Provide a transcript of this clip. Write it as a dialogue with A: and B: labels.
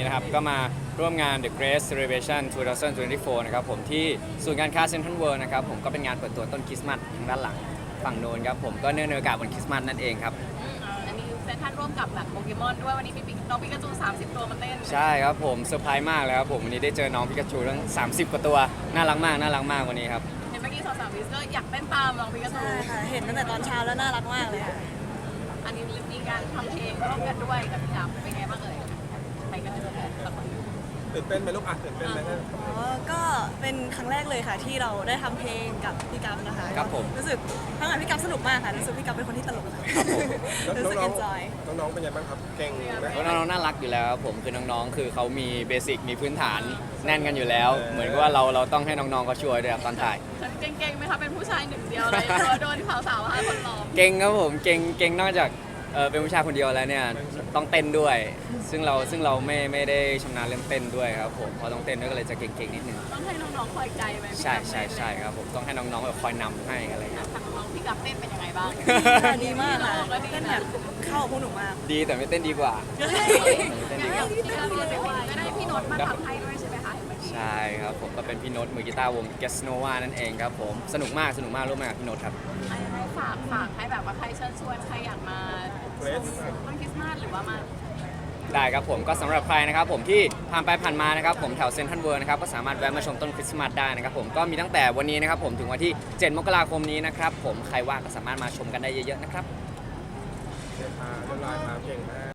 A: นะครับก็มาร่วมงาน The Great Celebration 2024 นะครับผมที่ศูนย์การค้าเซ็นทรัลเวิลด์นะครับผมก็เป็นงานเปิดตัวต้นคริสต์มาสทางด้านหลังฝั่งโน้นครับผมก็เนื่องในโอกาสวันคริสต์มาสนั่นเองครับ
B: อันนี้เซนทรันร่วมกับแบบโปเกมอนด้วยวันนี้มีน้องปิกาจู30 ตัวมาเต้น
A: ใช่ครับผมเซอร์ไพรส์มากเลยครับผมวันนี้ได้เจอน้องพิกาจูทั้ง30 กว่าตัวน่ารักมากวันนี้ครับ
B: เห็นเมื่อกี้สาวๆวิสก็อยากเต้นตามน้องปิกาจู
C: ใช่ค่ะ เห็นตั้งแต่ตอนเช้าแล้วน่ารักมากเลยค่ะ
B: อันนี้มีการทำเพลงร่วมกันด้วยกับพี่ดำเป็นไงบ้างเอ่ยไปกันเลยละคน
D: ตื่นเต้นไหมลูกตื่นเต้นไหม
C: อ๋อ ก็เป็นครั้งแรกเลยค่ะที่เราได้ทำเพลงกับพี่กัฟนะคะ
A: ครับผม
C: รู้สึกทั้งงานพี่กัฟสนุกมากค่ะ รู้สึกพี่กัฟเป็นคนที่ตลกค่ะรู้สึก enjoy
D: น้องเป็นยังไงบ้างครับเก่งไหม
A: น้องๆน่ารักอยู่แล้วครับผมคือน้องๆคือเขามีเบสิกมีพื้นฐานแน่นกันอยู่แล้ว เหมือนกับว่าเราต้องให้น้องๆเขาช่วยด้วยครับตอนถ่าย
B: เก่งๆไหมคะเป็นผู้ชายหนึ่งเดียวเลยโดนสาวๆ5 คนล้อม
A: เก่งครับผมเก่งนอกจากเป็นผู้ชายคนเดียวแล้วเนี่ยต้องเต้นด้วย ซึ่งเราไม่ได้ชำนาญเรื่องเต้นด้วยครับผมพอต้องเต้นด้วยก็เลยจะเก่งๆนิดนึง
B: ต้องให้น้องๆคอยใจไหม
A: ใช่ครับผมต้องให้น้องๆแบบคอยนำให้อะไรเงี้ย
B: ทางน้องพี่กับเต้นเป็นยังไงบ้าง
C: ดีมากค่ะเต้นแบบเข้ากับพวกหนูมาก
A: ดีแต่ไม่เต้นดีกว่า
B: อย่างที่เราก็ได้พี่โน้ตมาทำให้ด้วยใช่ไหมคะเห็นเมื่อกี้
A: ใช่ครับผมก็เป็นพี่โน้ตมือกีตาร์วง g e s n o v a นั่นเองครับผมสนุกมากร่วมงานกับพี่โน้ตครับ
B: ให้ฝากให้แบบว่าใครเชิญชวนใครอยากมาต้นคริสต์มาสหรือว่ามา
A: ได้ครับผมก็สำหรับใครนะครับผมที่ผ่านไปผ่านมานะครับผมแถวเซ็นทรัลเวิลด์นะครับก็สามารถแวะมาชมต้นคริสต์มาสได้นะครับผมก็มีตั้งแต่วันนี้นะครับผมถึงวันที่ 7 มกราคมนี้นะครับผมใครว่างก็สามารถมาชมกันได้เยอะๆนะครับ
D: เรียบร้อยครับเก่งมาก